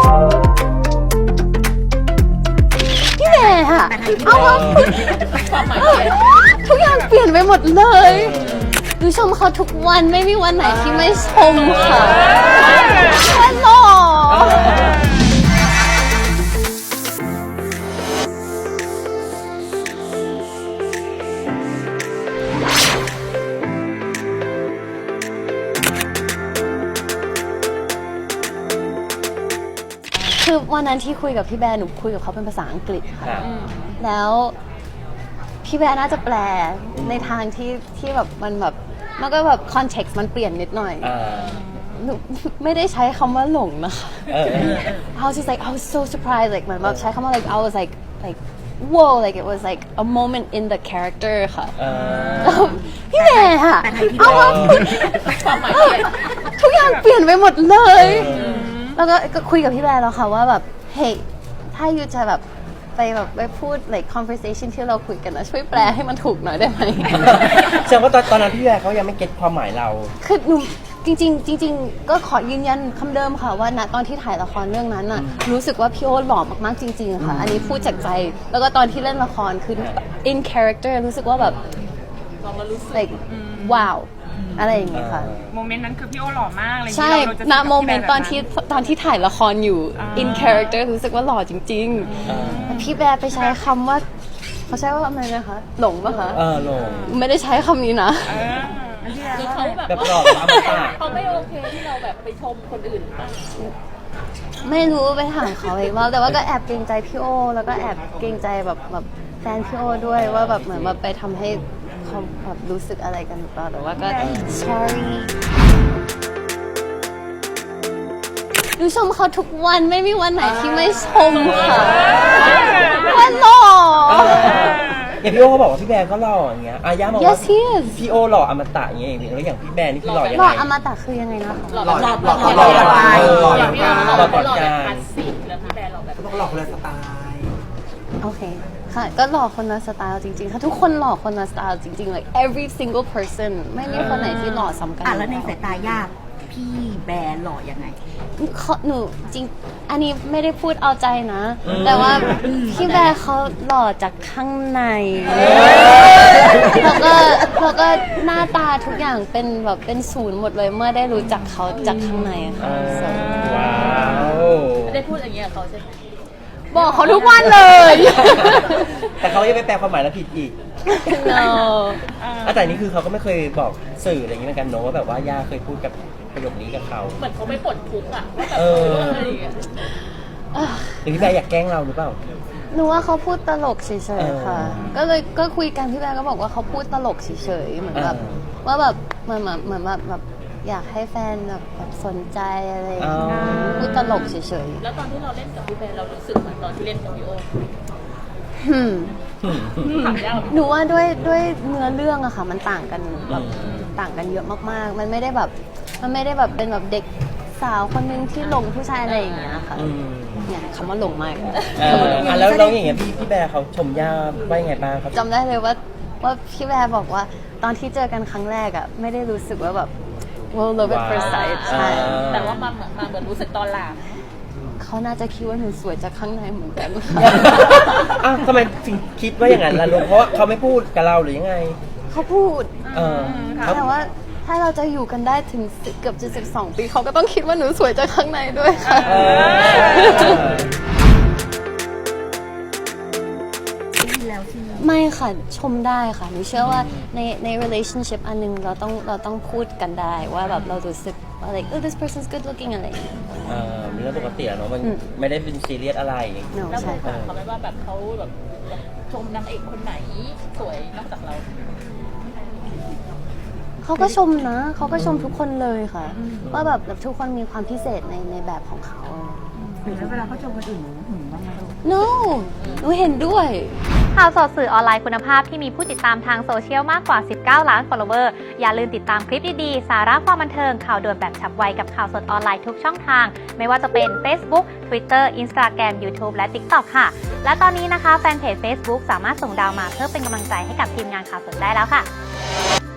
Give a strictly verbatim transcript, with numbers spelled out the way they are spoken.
พี่แม่ค่ะเอามาทุกอย่างเปลี่ยนไปหมดเลยดูชมเขาทุกวันไม่มีวันไหนที่ไม่ชมค่ะแค่หล่อคือวันนั้นที่คุยกับพี่แบร์หนูคุยกับเขาเป็นภาษาอังกฤษค่ะแล้วพี่แบร์น่าจะแปลในทางที่ที่แบบมันแบบมันก็แบบคอนเท็กซ์มันเปลี่ยนนิดหน่อยหนูไม่ได้ใช้คำว่าหลงนะคะ I was just like I was so surprised like เหมือนแบบใช้คำว่า like I was like like whoa like it was like a moment in the character ค่ะพี่แม่ค่ะเอามาทุกอย่างเปลี่ยนไปหมดเลยแล้วก็คุยกับพี่แบร์แล้วค่ะว่าแบบเฮ้ยถ้ายูจะแบบไปแบบไปพูด like conversation ที่เราคุยกันนะช่วยแปลให้มันถูกหน่อยได้ไหมแสดงว่าตอนนั้นพี่แบร์เขายังไม่เก็ตความหมายเราคือหนูจริงๆจริงๆก็ขอยืนยันคำเดิมค่ะว่าณตอนที่ถ่ายละครเรื่องนั้นน่ะรู้สึกว่าพี่โอ๊ตหล่อมากๆจริงๆค่ะอันนี้พูดจากใจแล้วก็ตอนที่เล่นละครคือ in character รู้สึกว่าแบบ like wowอะไรอย่างเงี้ยค่ะโมเมนต์นั้นคือพี่โอหล่อมากเลยใช่ณโมเมนต์ตอนที่ตอนที่ถ่ายละครอยู่ in character รู้สึกว่าหล่อจริงๆพี่แบร์ไปใช้คำว่าเขาใช้ว่าอะไรนะคะหลงปะคะเออหลงไม่ได้ใช้คำนี้นะคือเขาแบบหล่อเขาไม่โอเคที่เราแบบไปชมคนอื่นป่ะไม่รู้ไปถามเขาเองว่าแต่ว่าก็แอบเกรงใจพี่โอแล้วก็แอบเกรงใจแบบแบบแฟนพี่โอด้วยว่าแบบเหมือนแบบไปทำให้เขาแบบรู้สึกอะไรกันหรือเปล่าแต่ว่าก็ sorry ดูชมเขาทุกวันไม่มีวันไหนที่ไม่ชมค่ะแค่หล่ออย่างพี่โอเขาบอกว่าพี่แบร์ก็หล่ออย่างเงี้ยอาย่าบอกว่า yes he is พี่โอหล่ออมตะอย่างเงี้ยแล้วอย่างพี่แบร์นี่คือหล่อยังไงหล่ออมตะคือยังไงนะคะหล่อหล่อหล่อหล่อหล่อหล่อหล่ออย่างพี่โอหล่อหล่อแบบคลาสสิกแล้วพี่แบร์หล่อแบบต้องหล่อคนละสไตล์โอเคค่ะก็หล่อคนละสไตล์จริงๆค่ะทุกคนหล่อคนละสไตล์จริงๆ like every single person ไม่มีคนไหนที่หล่อซ้ำกันอ่ะแล้วในสายตาญาติพี่แบร์หล่อยังไงหนูจริงอันนี้ไม่ได้พูดเอาใจนะแต่ว่าพี่แบร์เขาหล่อจากข้างในแล้วก็แล้วก็หน้าตาทุกอย่างเป็นแบบเป็นศูนย์หมดเลยเมื่อได้รู้จักเขาจากข้างในค่ะว้าวได้พูดอย่างเงี้ยเขาใช่ไหมบอกเขาทุกวันเลยแต่เขายังไปแปลความหมายแล้วผิดอีก no แต่นี่คือเขาก็ไม่เคยบอกสื่ออะไรอย่างนี้เหมือนกันเนอะว่าแบบว่าย่าเคยพูดกับประโยคนี้กับเขาเหมือนเขาไม่ปลดทุกข์อ่ะว่าแบบเอออะไรอย่างเงี้ยหรือพี่แบร์อยากแกล้งเราหรือเปล่าหนูว่าเขาพูดตลกเฉยๆค่ะก็เลยก็คุยกันพี่แบร์ก็บอกว่าเขาพูดตลกเฉยๆเหมือนแบบว่าแบบเหมือนเหมือนแบบแบบอยากให้แฟนแบบสนใจอะไรพูดตลกเฉยๆแล้วตอนที่เราเล่นกับพี่แบร์เรารู้สึกเหมือนตอนที่เล่นกับพี่โอหนูว่าด้วยด้วยเนื้อเรื่องอะค่ะมันต่างกันแบบต่างกันเยอะมากๆมันไม่ได้แบบมันไม่ได้แบบเป็นแบบเด็กสาวคนนึงที่หลงผู้ชายอะไรอย่างเงี้ยค่ะเนี่ยคำว่าหลงมากอ่ะแล้วเราอย่างเงี้ยพี่พี่แบร์เขาชมย่าว่ายังไงบ้างครับจำได้เลยว่าว่าพี่แบร์บอกว่าตอนที่เจอกันครั้งแรกอะไม่ได้รู้สึกว่าแบบ well love at first sight ใช่แต่ว่ามาเหมือนมาเหมือนรู้สึกตอนหลังเขาน่าจะคิดว่าหนูสวยจากข้างในเหมือนกันอ้าวทำไมถึงคิดว่าอย่างนั้นล่ะลูกเพราะเขาไม่พูดกับเราหรือยังไงเขาพูดเออแต่ว่าถ้าเราจะอยู่กันได้ถึงเกือบจะสิบสองปีเขาก็ต้องคิดว่าหนูสวยจากข้างในด้วยค่ะไม่ค่ะชมได้ค่ะหนูเชื่อว่าในใน relationship อันนึงเราต้องเราต้องพูดกันได้ว่าแบบเรารู้สึกว่า like oh this person's good looking อะไรอย่างเงี้ยเออมีเรื่องปกติเนาะมันไม่ได้เป็นซีเรียสอะไรแล้วเคยถามเขาไหมว่าแบบเขาแบบชมนางเอกคนไหนสวยนอกจากเราเขาก็ชมนะเขาก็ชมทุกคนเลยค่ะว่าแบบทุกคนมีความพิเศษในในแบบของเขาหรือเวลาเขาชมคนอื่นหนูหึงบ้างไหม no หนูเห็นด้วยข่าวสดสื่อออนไลน์คุณภาพที่มีผู้ติดตามทางโซเชียลมากกว่าสิบเก้าล้าน follower อย่าลืมติดตามคลิปดีๆสาระความบันเทิงข่าวด่วนแบบฉับไวกับข่าวสดออนไลน์ทุกช่องทางไม่ว่าจะเป็น Facebook Twitter Instagram YouTube และ TikTok ค่ะและตอนนี้นะคะแฟนเพจ Facebook สามารถส่งดาวมาเพื่อเป็นกำลังใจให้กับทีมงานข่าวสดได้แล้วค่ะ